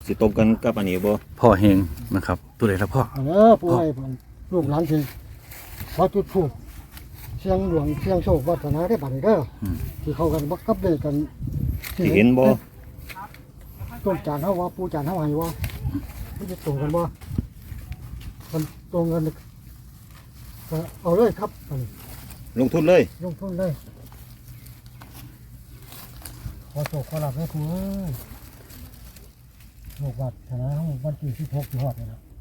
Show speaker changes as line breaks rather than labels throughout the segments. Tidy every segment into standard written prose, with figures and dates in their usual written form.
สิตบกันกับอันนี้บ่
พ่อเฮงนะครับตัวไหนละพ่อ
ปู่ให้ลูกหลานที่ขอจุดธูปเสียงหลวงเสียงโชควาสนาได้บัดนี้เด้อที่เข้ากันบักกับเลยกัน
สิเห็นบ่
ต้นจานเฮาว่าปู่จานเฮาให้ว่ามันจะตรงกันบ่มันตรงกันก็เอาเลยครับ
ลงทุนเลย
ลงทุนเลยขอโชคขอลาภให้คุณโลกวัดชนะวันที่16ที่ฮอดนี่นะ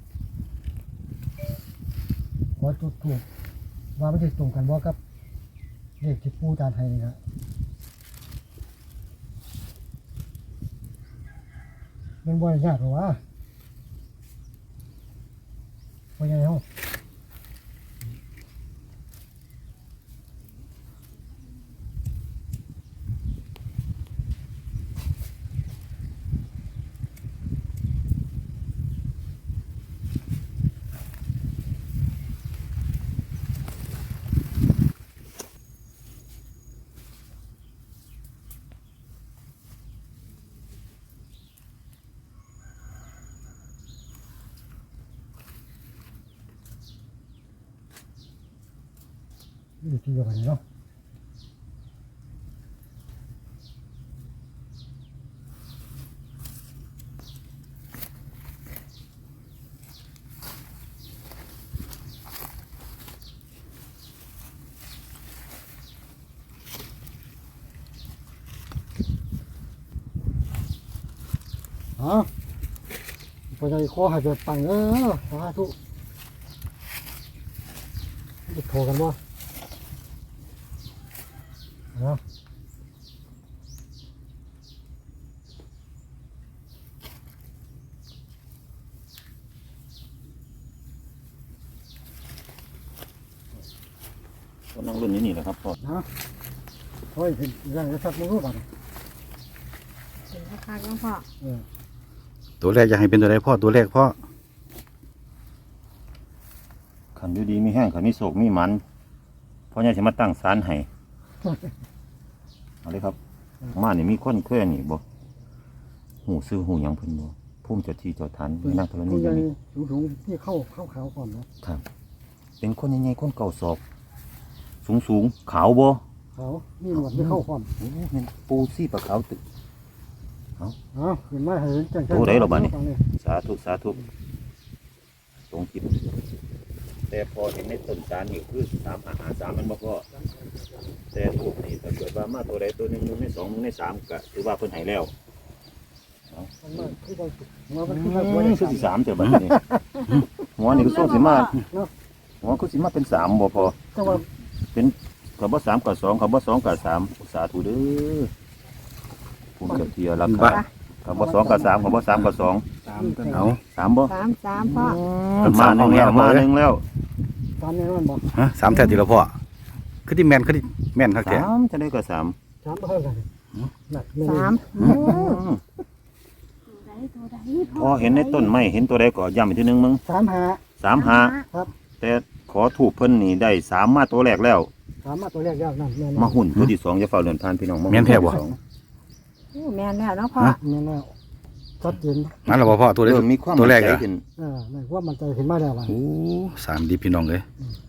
ขอจุดธูปว่ามันจะตรงกันบ่กับเลขที่ปู่จานให้นี่นะมันบ่ยากหรอวะบ่ยังไงเฮานี่ที่อยู่กันเนาะพอใจขอให้เกิดปังสาธุจะโทรกันบ่
ก็นั่งรุ่นนี้แหละครับพ่อ
เฮ้ยเป็นยังจะสักมือบ้าง
เป็นราคาของพ่อ
ตัวแรกอยากให้เป็นตัวใดพ่อตัวแรกพ่อ
ขันอยู่ดีมีแห้งขันมีโศกมีมันพ่อใหญ่จะมาตั้งศาลให้เอาเลยครับมาเนี่ยมีคนเคลื่อนนี่บ่หูซื้อหูยังเพิ่นบ่พุ่มเจ้าที่เจ้าทานนั่งธรณีอยู่นี่
สูงที่เข้าขาวก่อนนะครับ
เป็นคนใหญ่ๆคนเก่าศอกสูงขาวบ่
ขาวนี่หนวดที่เข้าก่อน
โอ้เป็นปูซี่ปลาขาวตึก
เห็นไหมเห็นจัง
ตัวไหนหรอบ้านี่สาธุตรงจิตแต่พอเห็นในต้นสารนี่คือ3 มันบ่พอแต่ถูกนี่ถ้าเกิดว่ามาตัวใดตัวหนึ่งใน2 1 ใน 3ก็ถือว่าเพิ่นให้แล้วคือสิ3เจ้าบัดนี้หัวนี่ก็สู้สิมาหัวคือสิมาเป็น3บ่พอเป็นเขาบ่3กับ2เขาบ่2กับ3สาธุเด้อภูมิเจ้าที่รักษาเขาบ่2กับ3เขาบ่3กับ2เอา3บ่
3พ่อ
มา1แล้ว3แน่นอน
บ่
ฮะ3แท้ทีละพ่อคือที่แม่นคือที่แม่นครับแท้
3จะได้ก็3
3บ่เท่ากัน
พอเห็นในต้นไม้เห็นตัวใดก็ย้ำอีกทีนึงมึง
35ครับ
แต่ขอถูกเพิ่นนี่ได้3มาตัวแรกแล้ว
3มาตัวแรกแล้วนั่น
มาหุ่นตัวที่2อย่าเฝ้าเดินผ่านพี่น้อง
แม่นแท้บ่
แม่นแล้วเนาะพ่อ
แม่นแล้วชัดเจน
นั่นล่ะบ่พ่อตัว
มีความ
ตัวแรกอ่ะ
ในความมั่นใจขึ้นมาแล้วว่า
โอ้3ดีพี่น้องเอ้ย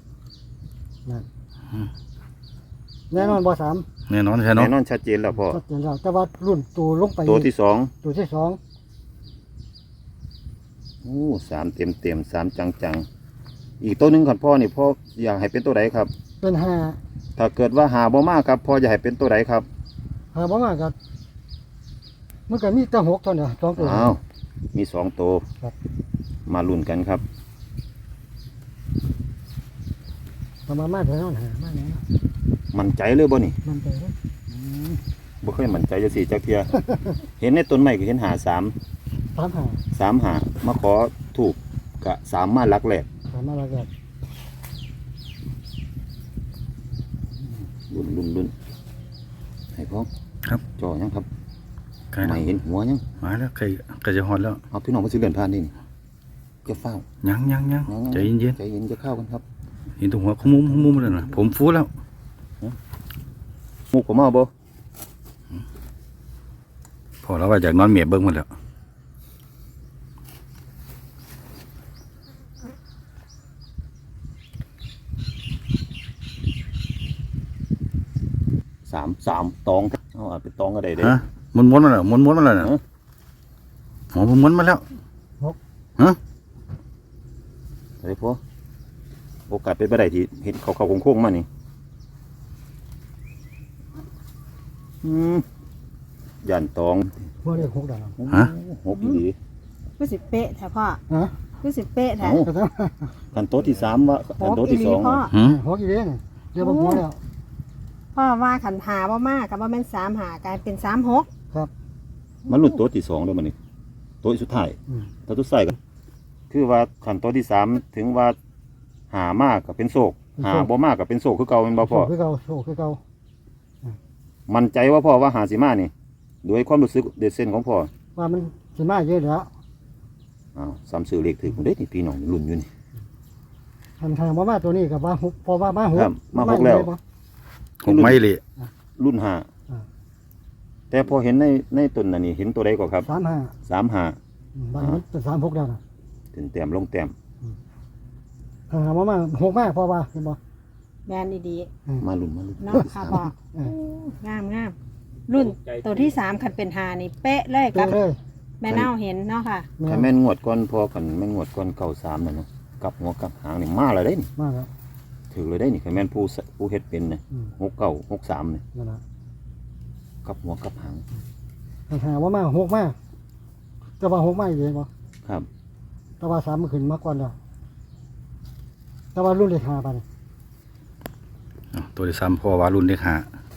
แน่นอนบ่
3แน่นอนใช่เนาะ
แน่นอนชัดเจนแล้วพ่อ
ชัดเจนแล้วแต่ว่ารุ่นตัวลงไป
ตัวที่2โอ้3เต็ม3จังอีกตัวนึงครับพ่อนี่พ่ออยากให้เป็นตัวใดครับ
เป็น5
ถ้าเกิดว่าหาบ่มากครับพ่ออยากให้เป็นตัวใดครับ
หาบ่มากครับมันก็มีแต่6เท่านั้น2ตัว
มี2ตัวมาลุ้นกันครับ
ประมาณเท่านั้นหามาแล้ว
มั่นใจเลยบ่นี่
มั่นใจเลย
บ่เคยมั่นใจจะสิจักเที่ยเห็นในต้นไม้ก็เห็นหา3หามาขอถูกกะ3มาหลักแรกลุ้นให้พ่อ
ครับ
จ่อยังครับไม่เห็นหัวยัง
มาแล้วใครจะหอดแล้ว
เอาพี่น้องมาซื้อเดินผ่านนี่จะเฝ้า
ยังใจเย็น
จะเข้ากันครับ
เห็นตรงหัวขมุมเลยนะผมฟูแล้ว
มูกผมเอาบ่
พอแล้วว่าจากนอนเมียเบิ้งหมดแล้ว
สามตองเอาอาจเป็นตองก็ได้เด้
ฮะม้วนๆมาแล้วม้วนๆมาแล้วน่ะหมอผมม้วนมาแล้ว
เฮ้ยพ่อโอกาสเป็นไปได้ที่เห็นเขาโค้งๆมานี่ย่านตอง
บ่เรียกหกดาว
หกอีหลี
คือสิเป๊ะแท้พ่อ
ฮะ
คือสิเป๊ะแท้
เอ้า
ก็ต้อง
กันโต๊ะที่3ว่ากันโต๊ะที่
หกอีหลีพ่อ
หืม
หกอีเด้นี่เดี๋ยวบ่หัวแล้ว
พ่อว่าขันหาบ่มากกับว่าแม่น3หากลายเป็น36
มันหลุดโต๊ะที่2ด้วยมันนี่โต๊ะสุดท้าย
อืม
โต๊ะสุดท้ายกันคือว่าขันโต๊ะที่3ถึงว่าหามากกับเป็นโศกหาบ่มากกับเป็นโศกคือเก่าแม่นบ่พ่อ
คือเก่าโชคคือเก่า
มั่นใจว่าพ่อว่าหาสิมานี่โดยความรู้สึกเด็ดเส้นของพ่อ
ว่ามันสิมาเยอะแล้ว
อ้าวซ้ำซื้อเลขถึงเด้นี่พี่น้องรุ่นอยู่นี่
ทางบ่มาตัวนี้ก็ว่าหกพอว่ามาหก
ครับมาหกแล้ว
หกไม้เลย
รุ่น5
อ่า
แต่พอเห็นในต้นน่ะนี่เห็นตัวใดก็ครับ
35
35
บางนี้เป็น36แล้วนะ
ถึงแต้มลงแต้ม
ทางบ่มาหกมากพอว่าเห็นบ่
แม่นดี
มาลุ้น
ๆเนาะค่ะพ่อ
เออง
ามรุ่นตัวที่3คันเป็นหานี่เป๊ะเลย
เต็
กับ
มเลย
แม่เน่าเห็นเนาะค่ะ
แม่
ถ้าแม่นงวดก่อนพอกันแม่นงวดก่อน93นั่นเนาะกลับหัวกลับหางนี่มาแล้วได้นี่
มาแล้ว
ถือเลยได้นี่ถ้าแม่นผู้เฮ็ดเป็นน่ะ
อืม
69 63นี่
นั่นล่ะ
กลับหัวกลับหาง
ทางบ่มาหกมากแต่ว่าหกมากอีกเห็นบ่
ครับ
แต่ว่า3มันขึ้นมาก่อนแล้วแต่ว่ารุ่นเลข5ปานนี้
อ้าวตัวที่3พ่อว่ารุ่นเด็กหา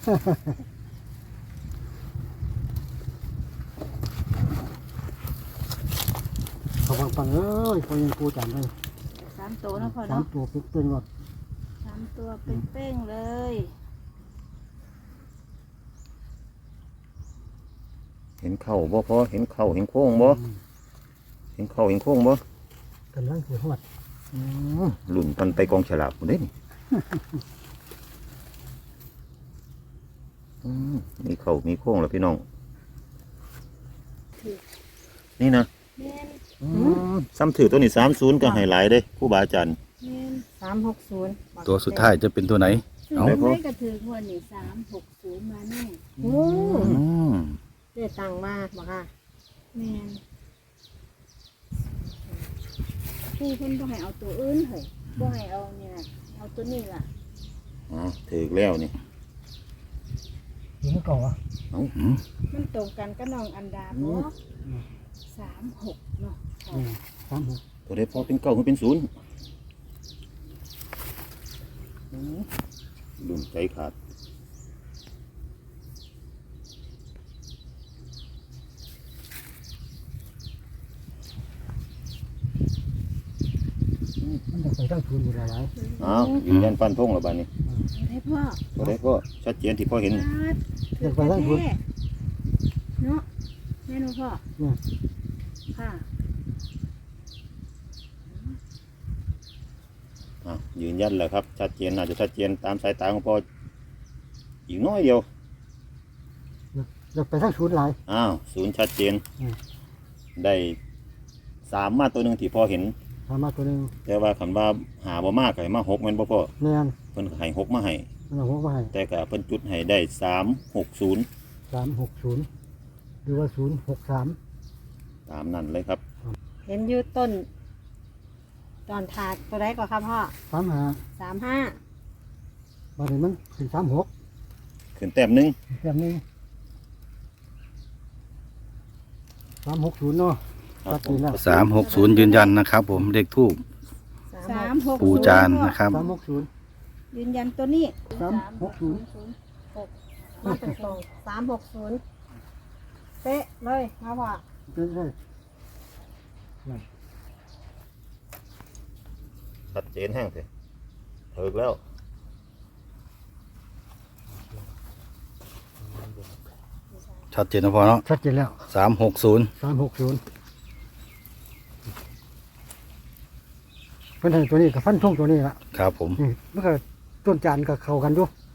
เขาฟังเอ้ยพอยังปูจานได้
3ตัวเนาะพ่อ
สา
เนาะ
มตัวเป็นหมด
3ตัวเป้งๆเลย
เห็นเข้าบ่พอเห็นเข้าเห็นโค้งบ่เห็นเข้าเห็นโค้งบ่
กำลังสิฮอด
ลุ้นกันไปกองฉลากพุ่นเด้นี่มีเข้ามีโค้งแล้วพี่น้อง นี่นะ
แม่น
ซ้ำถือตัวนี้30ก็ให้หลายเด้ครูบาอาจารย์
แม่น360
ตัวสุดท้ายจะเป็นตัวไหน
ซื้อ
เอา
ไม่กระถือคนนี่360มาแน่
โอ้
อืม
ได้ตังค์มากบ่ค่ะ
แม่นผู้คนบ่ให้เอาตัวอื่นเฮ้ยบ่ให้เอาเนี่ยเอาตัวนี้ล่ะ
ถือแล้วนี่
ยิงเก่าอ่ะ
มันตรงกันกับน้องอันดาบ่36เนาะ
36
ตัวได้พอเป็นเก้าหรือเป็น0ลุ้นใจขาด
มันจะไปทางทุนอยู่หลาย
ยืนยันฟันธงแล้วบ้านนี้
ได้พ่อ
ตัวได้ก็ชัดเจนที่พ่อเห็น
ปาดถือแท้ๆเนาะแม่นบ่พ่อ
เนี่ย
ค่ะ
ยืนยันแล้วครับ ชัดเจนน่าจะชัดเจนตามสายตาของพ่ออีกน้อยเดียว
จะไปทางทุนหลาย
ศูนย์ชัดเจน
อืม
ได้3มาตัวหนึ่งที่พ่อเห็น
สามารถตัวหนึง
แต่ว่าคำว่าหาบ่มากก็ให้มา6แม่นบ่พ่อ
แม่น
เพิ่นก็ให้6มาให้
มันเอาหัวมาให้
แต่ก็เพิ่นจุดให้ได้360
360หรือว่า063
ตามนั้นเลยครับ
เห็นอยู่ต้น ตอนถาดตัวใดก็ครับพ่อ
35
35
บัดนี้มันถึง36
ขึ้นแต้มหนึง
แบบนี้360เนาะ
ครับผม
แล้ว
360ยืนยันนะครับ ผมเลขทูบ
360
ปูจานนะครับ
360
ยืนยันตัวนี้
360
มาตรงๆ360เป๊ะเลยครับพ่อ
เป็นไง
ชัดเจนแห้งเถอะถึกแล้ว
ชัดเจนนะพ่อเนาะ
ชัดเจนแล้ว
360
360เพิ่นให้ตัวนี้กับฟันทงตัวนี้ละ
ครับผม
มันก็ต้นจานก็เข้ากันอยู่